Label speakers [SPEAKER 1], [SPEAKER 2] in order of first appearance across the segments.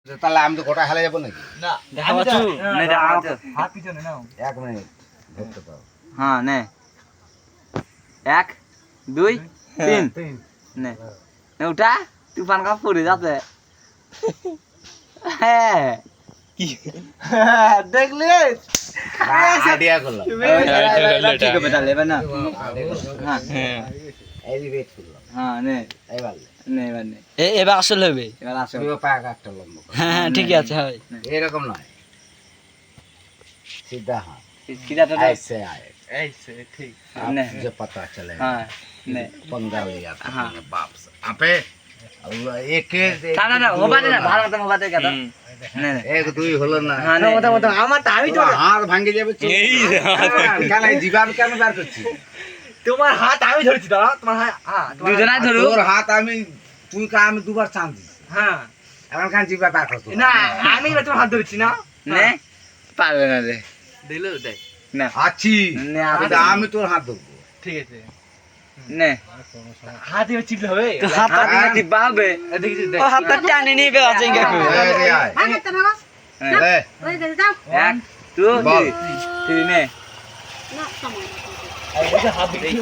[SPEAKER 1] তাহলে আমি তো গোটা খেলা যাবো নাকি?
[SPEAKER 2] না
[SPEAKER 3] দেখা পাচ্ছ নে দেখা পাচ্ছ
[SPEAKER 2] হাত পিছনে নাও।
[SPEAKER 1] 1 মিনিট ধরতে পারো।
[SPEAKER 3] হ্যাঁ নে 1 2 3
[SPEAKER 2] তিন।
[SPEAKER 3] নে নে উঠা তুফান का পড়ে যাচ্ছে হ্যাঁ
[SPEAKER 2] কি দেখলে
[SPEAKER 1] আইডিয়া করলাম।
[SPEAKER 3] ঠিক হবে তাহলে এবার না হ্যাঁ
[SPEAKER 1] এলিভেট করলাম।
[SPEAKER 3] হ্যাঁ নে
[SPEAKER 1] এবার
[SPEAKER 3] নে এবার নে
[SPEAKER 4] এবার আসলে হবে।
[SPEAKER 3] এবার আসো
[SPEAKER 1] তুইও পাক একটা লম্ব কর।
[SPEAKER 4] হ্যাঁ ঠিকই আছে হয়।
[SPEAKER 1] এরকম নয়, सीधा हाथ
[SPEAKER 3] सीधा तो
[SPEAKER 1] ऐसे आए।
[SPEAKER 2] ऐसे ठीक।
[SPEAKER 1] अब
[SPEAKER 3] नहीं।
[SPEAKER 1] मुझे पता चलेगा।
[SPEAKER 3] हाँ ने
[SPEAKER 1] पंगा लिया था
[SPEAKER 3] हाँ।
[SPEAKER 1] अपने बाप से। अबे एक
[SPEAKER 3] না না না মোবাইল না ভালো মতো মোবাইল দেখা দাও নে নে
[SPEAKER 1] एक দুই হলো না।
[SPEAKER 3] হ্যাঁ নে
[SPEAKER 2] আমার তো আমি তো
[SPEAKER 1] তোমার হাত ভাঙে যাবে। কেন জিবাব কেন বার করছিস?
[SPEAKER 2] তোমার হাত আমি ধরেছি দাঁড়া তোমার হ্যাঁ
[SPEAKER 3] দুজনাই ধরো
[SPEAKER 1] তোর হাত আমি, তুই কা আমি দুবার চান্স দিছি।
[SPEAKER 2] হ্যাঁ
[SPEAKER 1] এখন কান জিবা বার করছিস?
[SPEAKER 2] না আমি এবার তোমার হাত ধরেছি না
[SPEAKER 3] নে পারবে না রে
[SPEAKER 2] দিলো দেখ
[SPEAKER 3] না
[SPEAKER 1] আছি
[SPEAKER 3] নে
[SPEAKER 1] কিন্তু আমি তোর হাত ধরবো।
[SPEAKER 2] ঠিক আছে
[SPEAKER 3] নে
[SPEAKER 2] হাত এবার চিপলে হবে
[SPEAKER 3] তো হাতটা দিলে দিবা হবে
[SPEAKER 2] দেখি দেখ
[SPEAKER 4] ও হাতটা টানি নিয়ে বেড়াচ্ছে ইঙ্গা করে।
[SPEAKER 1] এই রে আয়। এই,
[SPEAKER 3] এক টু
[SPEAKER 1] বল।
[SPEAKER 3] থ্রি নে
[SPEAKER 2] হাত দেখি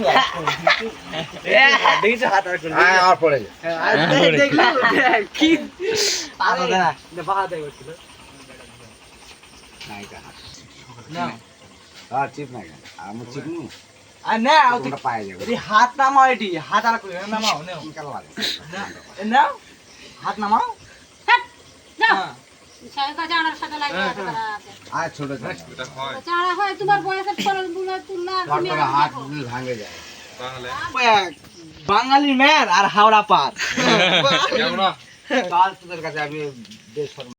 [SPEAKER 2] দেখি হাত আর করলি
[SPEAKER 1] আয় আর পড়ে যা।
[SPEAKER 2] দেখলি
[SPEAKER 3] কি
[SPEAKER 2] আরে বাহা দেখ করছিল
[SPEAKER 1] নাই কা হাত।
[SPEAKER 2] না
[SPEAKER 1] আর চিপ না কেন? আমি চিপনু
[SPEAKER 2] আর না
[SPEAKER 1] তোমরা পায়ে যাবে।
[SPEAKER 2] এটি হাত নামাও এটি হাত আর কই নামাও নাও
[SPEAKER 1] কেন লাগে?
[SPEAKER 2] নাও হাত নামাও হ্যাঁ
[SPEAKER 1] আয় ছোট ছোট।
[SPEAKER 5] তোমার বয়সের ফলগুলো তুলনা তুমি
[SPEAKER 1] তোর হাত যদি ভাঙে যায়।
[SPEAKER 2] বাঙালি মেয়ের আর হাওড়া পার
[SPEAKER 1] কাল তোদের কাছে আমি বেশ